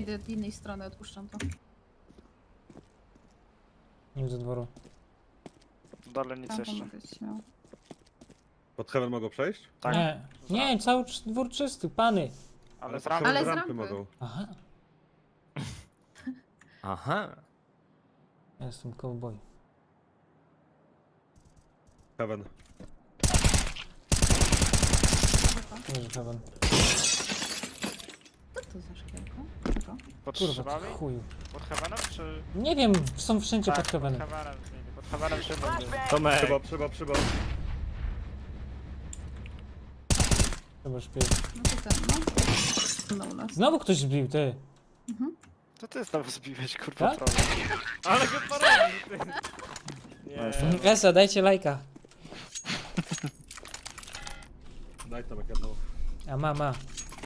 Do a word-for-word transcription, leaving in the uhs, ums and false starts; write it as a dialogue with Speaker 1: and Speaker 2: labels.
Speaker 1: idę od innej strony, odpuszczam to.
Speaker 2: Nie widzę dworu.
Speaker 3: W dole nic
Speaker 1: Tam
Speaker 3: jeszcze.
Speaker 1: mogę być śmiało.
Speaker 4: Pod heaven mogą przejść?
Speaker 3: Tak.
Speaker 2: Nie, nie, cały cz- dwór czysty, pany.
Speaker 3: Ale z
Speaker 4: pod
Speaker 3: rampy.
Speaker 4: heaven
Speaker 1: Ale
Speaker 4: z
Speaker 1: z
Speaker 4: rampy
Speaker 1: rampy.
Speaker 4: mogą.
Speaker 2: Aha,
Speaker 5: Aha.
Speaker 2: ja jestem cowboy.
Speaker 4: Heaven.
Speaker 2: Nie, że heaven.
Speaker 1: Co to za szkiełko? Czego?
Speaker 3: Pod
Speaker 2: Kurwa,
Speaker 3: szybami?
Speaker 2: ty chuju.
Speaker 3: Pod heavenem czy...
Speaker 2: Nie wiem, są wszędzie
Speaker 3: Tak,
Speaker 2: pod heavenem.
Speaker 3: Pod heavenem zmieni. Pod heavenem szybą był.
Speaker 5: Tomek.
Speaker 4: Przybo, przybo, przybo.
Speaker 2: Chyba śpię.
Speaker 1: No to ten, no. No u nas.
Speaker 2: Znowu ktoś zbił, ty.
Speaker 3: To ty znowu zbiłeś, kurwa,
Speaker 2: Tak?
Speaker 3: problem.
Speaker 5: Ale go porobił, ty. Nie.
Speaker 2: Esa, dajcie lajka.
Speaker 4: Daj tam jak jedną.
Speaker 2: A ma, ma.